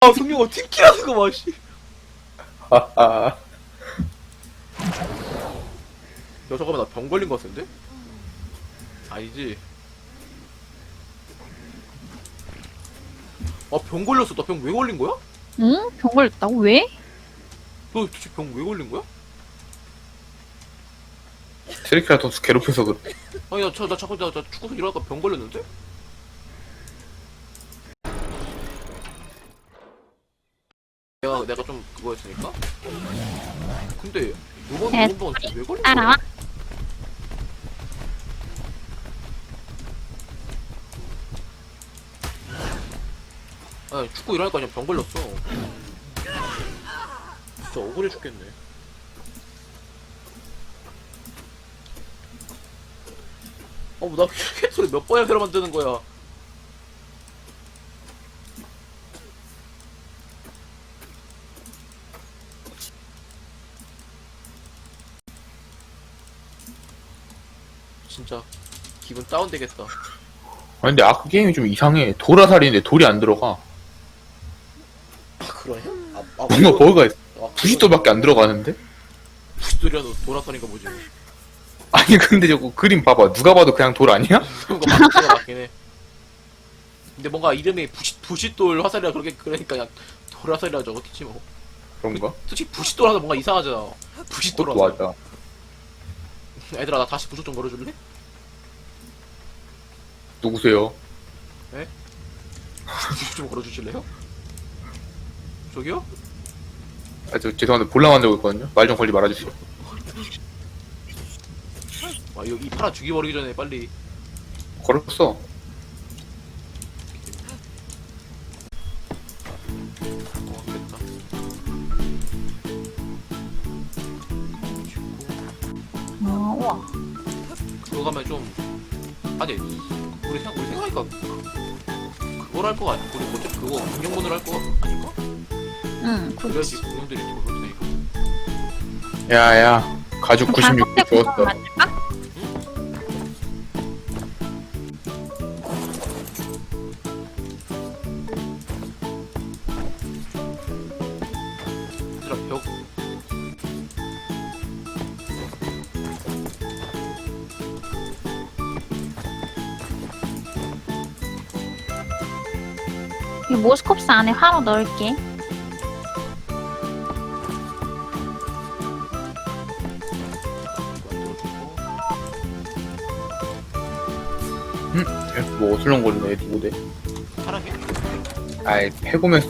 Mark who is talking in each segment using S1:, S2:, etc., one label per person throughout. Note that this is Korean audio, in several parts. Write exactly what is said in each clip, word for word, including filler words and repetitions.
S1: 아 승용아 팀킬하는 거 봐. 씨.
S2: 하하.
S1: 야 잠깐만 나 병 걸린 거 같은데? 아니지. 아 병 걸렸어. 나 병 왜 걸린 거야?
S3: 응? 병 걸렸다고? 왜?
S1: 너 도대체 병 왜 걸린 거야?
S2: 트리케라톱스 괴롭혀서 그래.
S1: 아니 나, 저, 나 자꾸 나, 나 축구선 일어나니까 병 걸렸는데? 내가 내가 좀 그거 했으니까? 근데 요번
S3: 네,
S1: 요번 병은 왜 걸린
S3: 따라와.
S1: 거야? 아니 축구 일어나니까 그냥 병 걸렸어. 진짜 억울해 죽겠네. 어, 나 개소리 몇 번이나 새로 만드는 거야. 진짜 기분 다운되겠다.
S2: 아 근데 아크 게임이 좀 이상해. 돌아살인데 돌이 안 들어가.
S1: 아 그러냐? 아, 아
S2: 뭔가 버그가 있어.
S1: 아,
S2: 구십도밖에 안 들어가는데?
S1: 부시돌이라도 돌아서니까 뭐지?
S2: 아니 근데 저거 그림 봐봐. 누가 봐도 그냥 돌 아니야?
S1: 그런 거 맞긴 맞긴 해. 근데 뭔가 이름이 부시 부시돌 화살이라 그렇게 그러니까 그냥 돌화살이라 적었겠지 뭐.
S2: 그런가?
S1: 솔직히 부시돌 하면 뭔가 이상하잖아. 부시돌
S2: 그것도
S1: 화살.
S2: 맞아.
S1: 얘들아 나 다시 부족 좀 걸어줄래?
S2: 누구세요?
S1: 부족 좀 걸어주실래요? 저기요?
S2: 아, 저 죄송한데 볼라 만들고 있거든요. 말 좀 걸리 말아주세요.
S1: 아 이거 이 파라 죽여버리기 전에 빨리.
S2: 걸었어.
S1: 어 됐다.
S3: 어, 우와.
S1: 그거 가면 좀 아니 우리 생각 우리 생각하니까 그걸 할 거 아니야? 우리 어차피 그거 공룡문을 할 거 아닌가?
S3: 응,
S1: 그래야지
S3: 그렇지.
S1: 공룡들이 돌을 테니까.
S2: 야야. 가죽 구십육 개 주웠어.
S3: 만들까?
S1: 얘들아 벽
S3: 이 모스컵스 안에 화로 넣을게.
S2: 계속 뭐 어슬렁거리네 디고대.
S1: 사랑해?
S2: 아이 해보면서.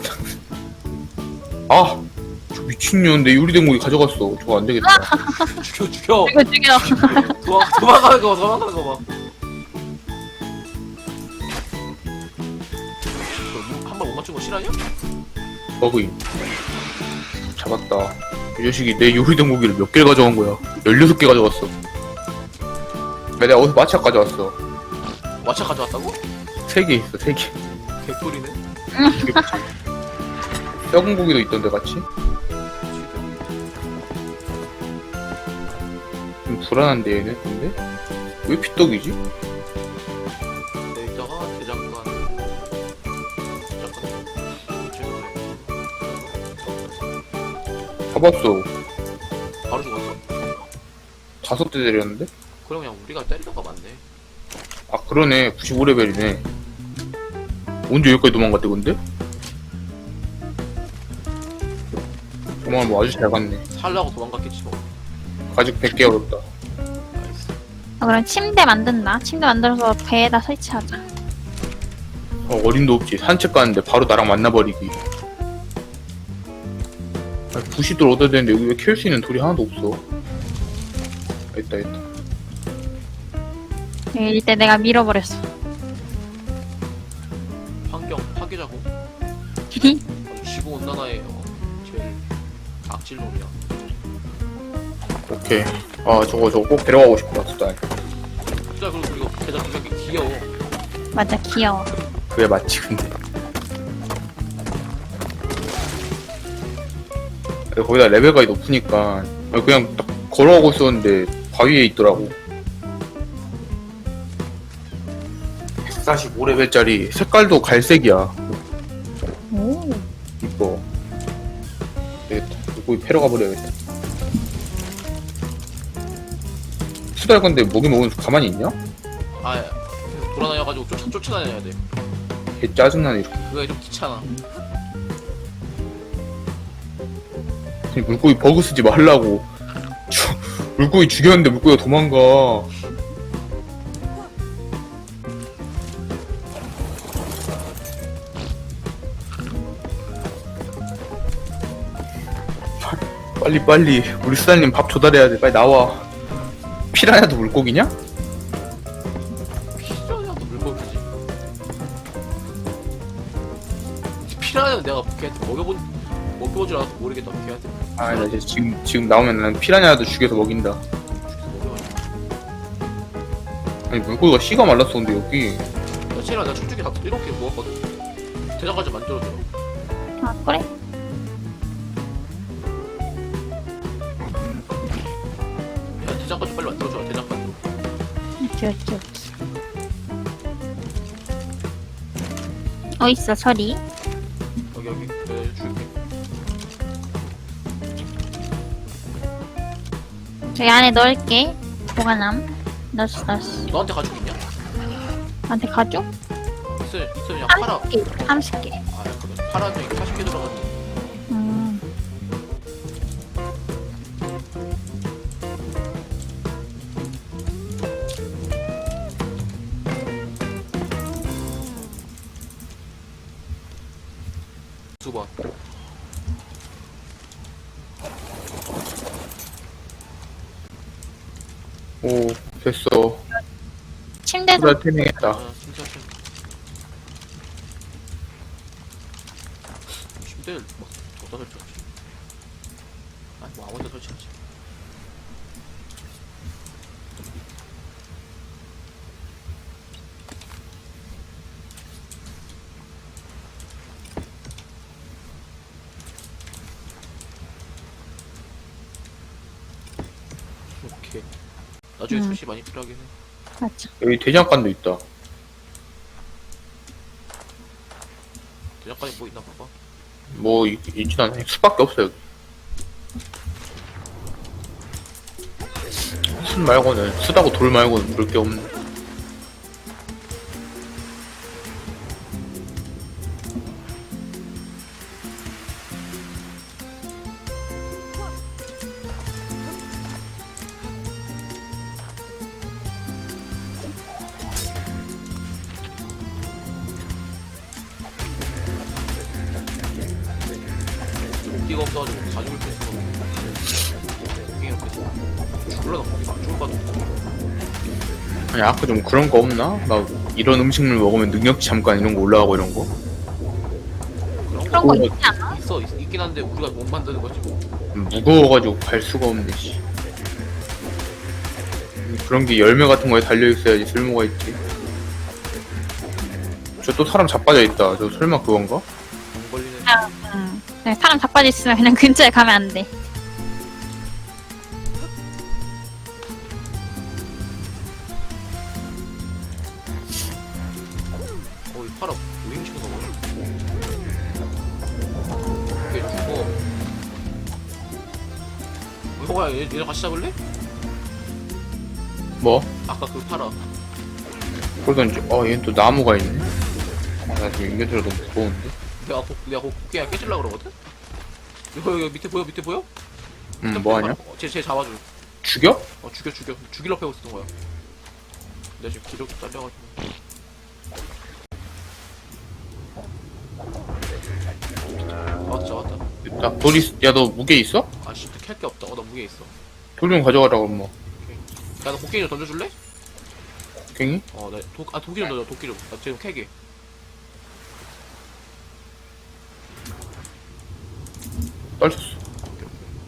S2: 아! 저 미친년 내 요리된 고기 가져갔어. 저거 안 되겠다.
S1: 죽여 죽여
S3: 죽여, 죽여.
S1: 도망 도망가는 거 봐, 도망가는 거 봐. 한 번 못 맞춘 거 실화냐?
S2: 버그임. 잡았다. 이 자식이 내 요리된 고기를 몇 개를 가져간 거야. 열여섯 개 가져갔어. 야, 내가 어디서 마차 가져왔어.
S1: 와차 가져왔다고?
S2: 세 개 있어, 세 개.
S1: 개꿀이네.
S2: 썩은 고기도 있던데 같이? 좀 불안한데 얘는 근데? 왜 피떡이지?
S1: 데이터가 대장간 잠깐 죄송해요.
S2: 잡았어.
S1: 바로 죽었어?
S2: 다섯 대 때렸는데?
S1: 그럼 그냥 우리가 때리던가 맞네.
S2: 아 그러네. 구십오 레벨이네. 언제 여기까지 도망갔대 근데? 도망을 뭐 아주 잘 갔네.
S1: 살라고 도망갔겠지 뭐.
S2: 가죽 백 개 얻었다.
S1: 나이스.
S3: 아, 그럼 침대 만든다. 침대 만들어서 배에다 설치하자.
S2: 어, 어림도 없지. 산책 가는데 바로 나랑 만나버리기. 아, 부시돌 얻어야 되는데 여기 왜 키울 수 있는 돌이 하나도 없어. 있다 있다.
S3: 네, 이때 내가 밀어버렸어.
S1: 환경 파괴자고. 아주 지구 온난화의 어, 제일 악질놈이야.
S2: 오케이. 아 저거 저거 꼭 데려가고 싶다 진짜.
S1: 진짜 그리고 이거 대장 두명이 귀여워.
S3: 맞아, 귀여워.
S2: 그게 맞지 근데. 거기다 레벨가 높으니까 그냥 딱 걸어가고 있었는데 바위에 있더라고. 백사십오 레벨짜리 색깔도 갈색이야.
S3: 오.
S2: 이거. 되겠다. 물고기 패러 가버려야겠다. 수달 건데 모기 먹으면서 가만히 있냐?
S1: 아 계속 돌아다녀가지고 쫓아, 쫓아다녀야 돼.
S2: 개 짜증나네 이렇게.
S1: 그게 좀 귀찮아.
S2: 아니, 물고기 버그 쓰지 말라고. 주, 물고기 죽였는데 물고기가 도망가. 빨리 빨리 우리 수달님 밥 조달해야 돼. 빨리 나와. 피라냐도 물고기냐?
S1: 피라냐도 물고기지. 피라냐는 내가 걔한테 먹여본 먹여보질 않아서 모르겠다. 걔한테
S2: 아, 나 이제 지금 지금 나오면 난 피라냐도 죽여서 먹인다.
S1: 죽여서 먹여가지고.
S2: 아니 물고기가 씨가 말랐어 근데 여기.
S1: 며칠이나 내가 춤추기 다 일곱 개 모았거든. 대장까지 만들어줘.
S3: 아 그래?
S1: 야 대장까지 빨리 만들어줘. 대장까지.
S3: 오케이 오케이 오케이. 어딨어 철이?
S1: 여기 여기 내가 줄게.
S3: 저기 안에 넣을게. 보관함. 넣었어 넣었어.
S1: 너한테 가지고 있냐?
S3: 나한테 가져?
S1: 있어 있어 그냥 팔아.
S3: 삼십 개. 삼십 개.
S1: 아 그래. 팔아도 이게 사십 개 들어가지.
S3: 음.
S1: 두 번.
S2: 오 됐어.
S3: 침대도
S2: 수달 태명했다.
S1: 아 진짜 좀. 침대를 막 어디다 설치하지? 아니 뭐 아무데나 설치하지. 오케이. 나중에
S3: 음.
S1: 수시 많이 필요하긴 해.
S3: 맞죠.
S2: 여기 대장간도 있다.
S1: 대장까지 뭐 있나 봐봐.
S2: 뭐 있, 있진 않아. 수밖에 없어 여기. 술 말고는 수다고 돌 말고는 볼 게 없네.
S1: 목기가 없어가지고 가죽을 뺄 수가 없어. 목기가 없어. 죽을라나 목기가 안 죽을 것 같아.
S2: 아니 아까 좀 그런 거 없나? 막 이런 음식물 먹으면 능력치 잠깐 이런 거 올라가고 이런 거?
S1: 그런
S3: 그런
S1: 거
S3: 거
S2: 어,
S3: 있지 않아?
S1: 있어 있, 있긴 한데 우리가 못 만드는 거지 뭐.
S2: 무거워가지고 갈 수가 없네 씨. 그런 게 열매 같은 거에 달려 있어야지 쓸모가 있지. 저 또 사람 자빠져 있다. 저 설마 그건가?
S1: 안 걸리는.
S3: 응. 네, 사람 자빠져 있으면 그냥 근처에 가면 안 돼.
S1: 어이 팔아 우잉 치는 거 뭐야? 이게 죽어. 이거야 얘 얘랑 같이 잡을래?
S2: 뭐?
S1: 아까 그 팔아.
S2: 그러던지 어 얘는 또 나무가 있네. 아, 나 지금 인벤토리가 너무 무거운데?
S1: 내가 고, 내가 고, 고기야 깨질라 그러거든? 이거 여기 밑에 보여 밑에 보여?
S2: 응 뭐하냐?
S1: 어, 쟤, 쟤 잡아줘.
S2: 죽여?
S1: 어 죽여 죽여 죽일러 패고 있었던 거야. 내가 지금 기력이 딸려가지고. 잡았다 잡았다.
S2: 됐다. 돌 있.. 야너 무게 있어?
S1: 아씨 캘게 없다. 어나 무게 있어.
S2: 돌 좀 가져가라고 뭐.
S1: 야너 도끼 좀 던져줄래?
S2: 갱이?
S1: 어나도아 도끼 좀 던져 도끼 좀. 나 지금 캐게.
S2: 떨쳤어.
S1: 오케이, 오케이.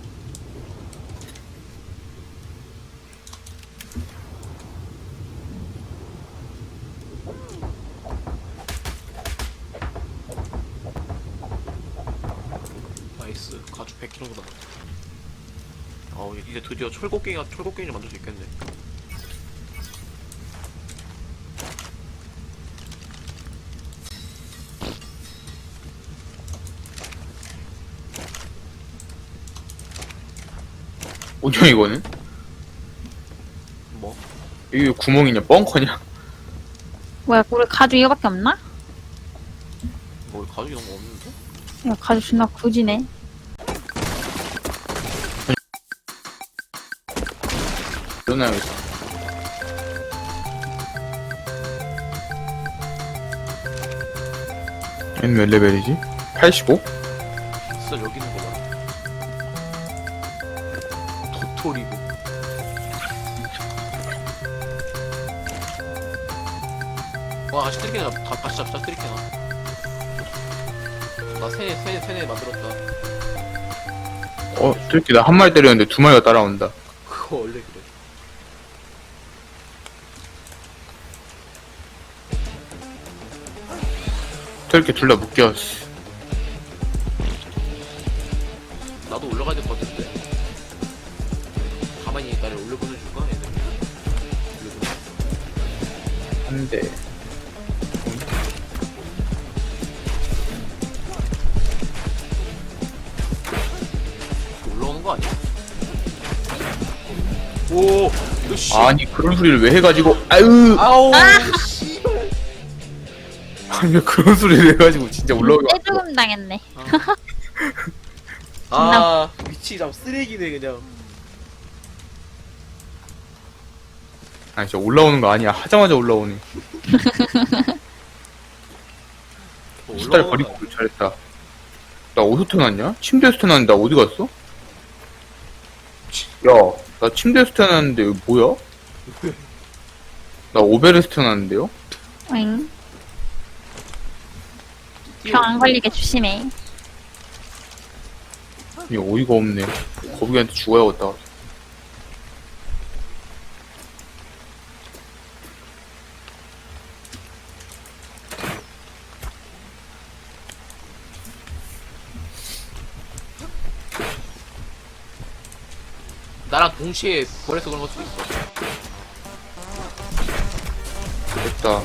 S1: 나이스 가죽 백 킬로그램 남았다. 어 이제 드디어 철곡갱이가 철곡갱이를 만들 수 있겠네.
S2: 뭐냐 이거는?
S1: 뭐?
S2: 이게 구멍이냐 뻥커냐?
S3: 뭐야, 우리 가죽 이거밖에 없나?
S1: 뭐 가죽 이런 거 없는데?
S3: 야, 가죽 존나 굳이네.
S2: 일어나야겠어. 얘는 몇 레벨이지? 팔십오?
S1: 진짜 여기 있는 거 봐. 도토리고. 와, 다시 트리케나, 다, 다시 잡자, 트리케나. 나 세네, 세네, 세네 만들었다.
S2: 어, 저렇게 나 한 마리 때렸는데 두 마리가 따라온다.
S1: 그거 원래 그래.
S2: 저렇게 둘 다 묶여. 씨.
S1: 나도 올라가야 될 것 같은데. 가만히 나를 올려보내 줄까, 얘들? 올려보내.
S2: 한 대.
S1: 올라오는 거 아니야? 오, 너 씨.
S2: 아니 그런 소리를 왜 해가지고 아유
S1: 아우, 씨발.
S2: 아니 왜 그런 소리를 해가지고 진짜 올라오게 왔어.
S3: 떼죽음 당했네.
S1: 아, 위치 참 쓰레기네 그냥.
S2: 아니 진짜 올라오는 거 아니야. 하자마자 올라오네.
S1: 뭐
S2: 수달
S1: 올라오는
S2: 버리고
S1: 거
S2: 오길 잘했다. 나 어디서 태어났냐? 침대에서 태어났는데 나 어디 갔어? 야, 나 침대에서 태어났는데 이거 뭐야? 나 오베레스 태어났는데요?
S3: 응.
S1: 아니야?
S3: 병 안 걸리게 조심해.
S2: 이거 어이가 없네. 거북이한테 죽어야겠다.
S1: 나랑 동시에 벌에서 그런 걸 수도 있어.
S2: 됐다.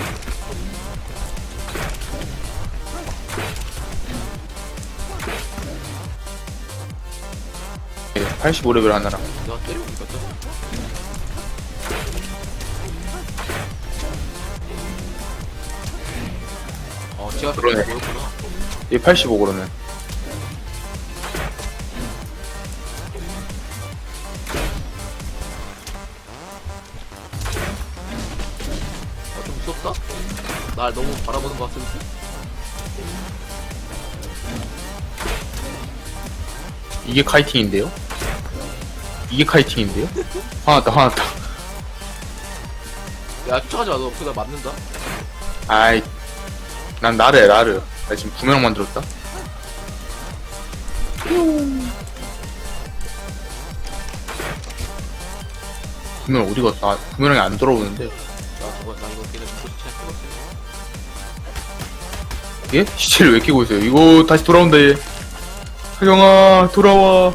S2: 네, 팔십오 레벨 하나랑.
S1: 내가 때리고 있거든. 어, 제가
S2: 그러네.
S1: 보였구나.
S2: 얘 팔십오 그러면.
S1: 아, 좀 무섭다? 날 너무 바라보는 것 같은데?
S2: 이게 카이팅인데요? 이게 카이팅인데요? 화났다 화났다.
S1: 야, 쫓아가지 마. 너 그거 맞는다?
S2: 아이, 난 나르야 나르. 나 지금 부메랑 만들었다. 부메랑 어디 갔어? 아, 부메랑이 안 돌아오는데.
S1: 야, 저거, 나 이거 그냥 잘 찍었어.
S2: 예? 시체를 왜 끼고 있어요? 이거 다시 돌아온다 얘. 하경아 돌아와.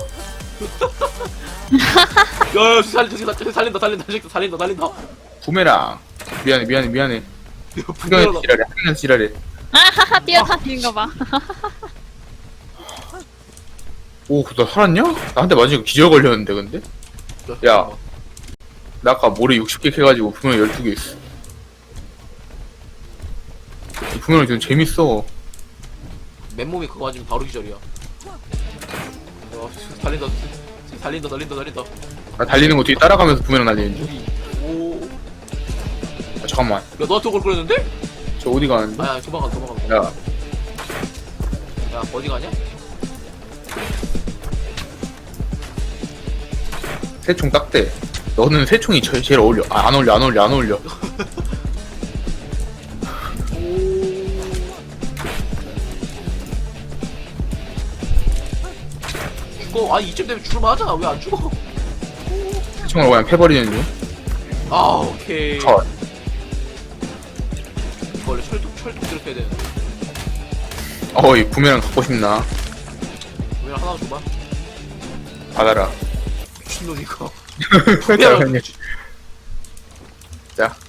S1: 야, 야, 살, 살, 살, 살린다, 살린다, 살린다, 살린다, 살린다.
S2: 부메랑. 미안해 미안해 미안해.
S1: 야,
S2: 하경이
S1: 부끄러워.
S2: 지랄해. 하경이 지랄해.
S3: 아하하, 뛰어다니는 거 봐.
S2: 오, 나 살았냐? 나한테 맞으니까 기절 걸렸는데 근데? 야. 나 아까 모래 육십 개 캐가지고 분명 열두 개 있어. 분명히 좀 재밌어.
S1: 맨몸이 그거 맞으면 바로 기절이야. 야, 살린다, 살린다, 살린다, 살린다.
S2: 나 달리는 거 뒤에 따라가면서 분명 날리는 중.
S1: 오.
S2: 아, 잠깐만.
S1: 야, 너한테 그걸 그랬는데?
S2: 저 어디 가는데?
S1: 아, 야, 도망가, 도망가.
S2: 야,
S1: 야, 어디 가냐?
S2: 새총 딱대. 너는 새총이 제일, 제일 어울려. 아, 안 어울려, 안 어울려, 안 어울려.
S1: 죽어. 아, 이쯤 되면 죽을만 하잖아. 왜 안 죽어?
S2: 새총으로 그냥 패버리는 중.
S1: 아, 오케이.
S2: 컷.
S1: 이거 원래 철도, 철도 이렇게 해야 되는데.
S2: 어이, 부메랑 갖고 싶나?
S1: 왜 하나 줘봐.
S2: 받아라.
S1: 미친놈이가.
S2: 자, 자.